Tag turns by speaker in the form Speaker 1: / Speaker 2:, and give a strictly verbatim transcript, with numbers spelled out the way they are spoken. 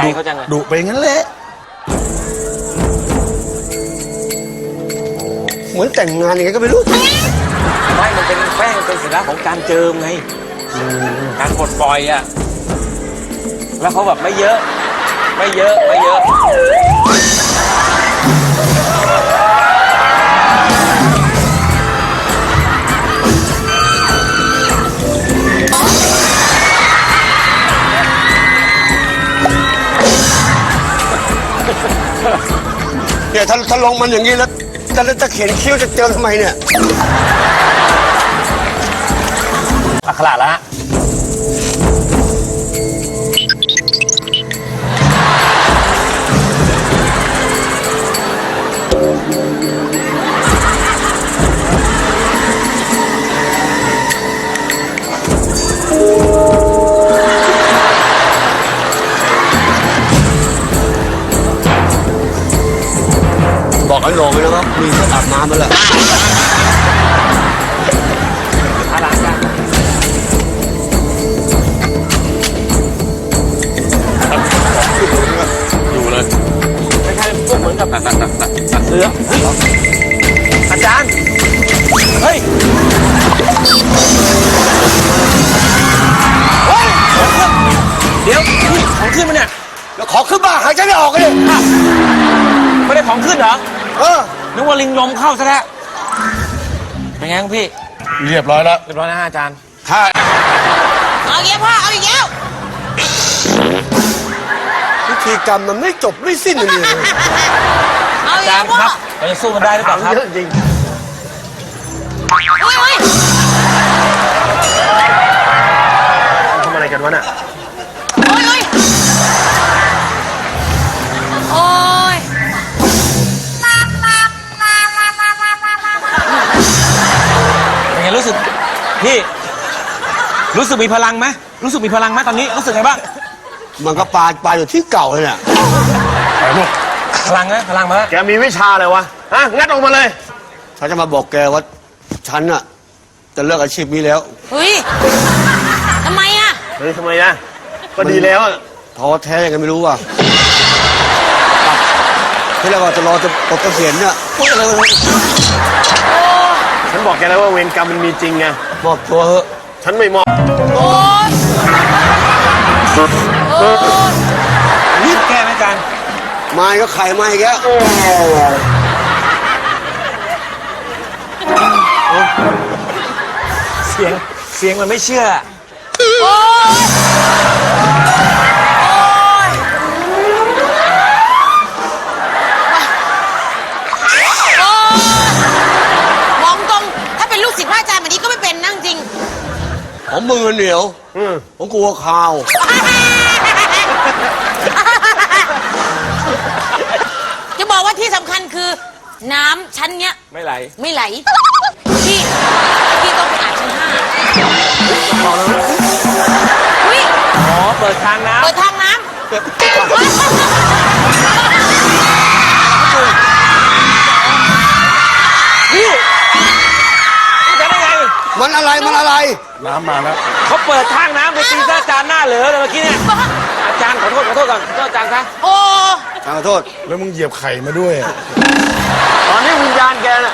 Speaker 1: เขาจังเลย
Speaker 2: ดุไปงั้นแหละเหมือนแต่งงานยังไงก็ไม่รู้
Speaker 1: ไม่มันเป็นแป้งเป็นสัญลักษณ์ของการเจิมไงการปลดปล่อยอ่ะแล้วเขาแบบไม่เยอะไม่เยอะไม่เยอะ
Speaker 2: เนี่ยถ้าถ้าลงมันอย่างนี้แล้วจะจะเขียนคิ้วจะเจิมทำไมเนี่ย
Speaker 1: อักขระแล้วฮะ
Speaker 2: บอกไอ้โหน่งเลยนะครับมีเครื่องอาบน้ำมาแล้ว
Speaker 1: อาล้างกันอยู่เลยคล้ายๆพวกเหมือนกับตัดตัดตัดตัดตัดเสื้อเฮ้ยอาจารย์เฮ้ยเฮ้ยเดี๋ยวของขึ้นมาเนี่ย
Speaker 2: แล้วขอขึ้นบ้าหายใจไม่ออกเลย
Speaker 1: ไม่ได้ของขึ้นเหรอ
Speaker 2: เออ
Speaker 1: นึกว่าลิงลมเข้าซะแล้วเป็นไงพี่
Speaker 2: เรียบร้อยแล้ว
Speaker 1: เรียบร้อยนะฮะอาจารย์
Speaker 2: ถ้า
Speaker 3: เอาอีกแล้วพ่อเอาอีกแล้ว
Speaker 2: พิธีกรรมมันไม่จบไม่สิ้นเลย
Speaker 3: เอา
Speaker 1: อา
Speaker 3: อีก
Speaker 1: จา
Speaker 3: แล้
Speaker 1: ร
Speaker 3: ว
Speaker 1: ย์
Speaker 3: พ่อ
Speaker 1: ครับเราจะสู้กันได้หรือเปล่าครับ
Speaker 2: เยอะจริง
Speaker 3: เฮ้ยเฮ้ย
Speaker 2: ทำอะไรกันวะน่ะ
Speaker 3: เฮ้ยเฮ้ยโอ้ย
Speaker 1: เป็นไงรู้สึกพี่รู้สึกมีพลังไหมรู้สึกมีพลังไหมตอนนี้รู้สึกไงบ้าง
Speaker 2: มันก็ปลาปลาอยู่ที่เก่าเลยเนี่ย
Speaker 1: พลังนะพลังมาแล้ว
Speaker 2: แกมีวิชาอะไรวะฮะงัดออกมาเลยฉันจะมาบอกแกว่าฉันน่ะจะเลิกอาชีพนี้แล้ว
Speaker 3: เฮ้ยทำไมอ่ะ
Speaker 2: เฮ้ยทำไมนะก็ดีแล้วท้อแท้ยังไงไม่รู้ว่ะที่เราจะรอจะปลดเกษียณเนี่ยพูดอะไรวะ
Speaker 4: ฉันบอกแกแล้วว่าเวรกรรมมันมีจริงไง
Speaker 2: มอบตัวเถอะ
Speaker 4: ฉันไม่มอบ
Speaker 3: โอ้ยโอ้ย
Speaker 1: รีบแก้ไหมอาจารย์
Speaker 2: ไม้ก็ไข่ไม้แก
Speaker 1: เสียงเสียงมันไม่เชื่อ
Speaker 3: โอ้ยโอ้ยมองตรงถ้าเป็นลูกศิษย์พระอาจารย์แบบนี้ก็ไม่เป็นนั่งจริง
Speaker 2: ผมมือเหนียวผมกลัวข่าว
Speaker 3: จะบอกว่าที่สำคัญคือ น้ำชั้นเนี้ย
Speaker 1: ไม่ไหล
Speaker 3: ไม่ไหล พี่ พี่ต้องไปอาบชั้นห้าอุ้ย
Speaker 1: อ๋อเปิดทางน้
Speaker 3: เปิดทางน้
Speaker 1: ำพี่จะได้ไง
Speaker 2: มันอะไรมันอะไร
Speaker 4: น้ำมาแล้ว
Speaker 1: เขาเปิดทางน้ำไปตีซะอาจารย์หน้าเหลือเลยเมื่อกี้เนี่ยอาจารย์ขอโทษขอโทษก่อนขอโทษอาจารย์ซะ
Speaker 3: ำโอ้
Speaker 2: ขอโทษ
Speaker 4: แล้วมึงเหยียบไข่มาด้วยอะ
Speaker 2: ตอนนี้วิญญาณแกน่ะ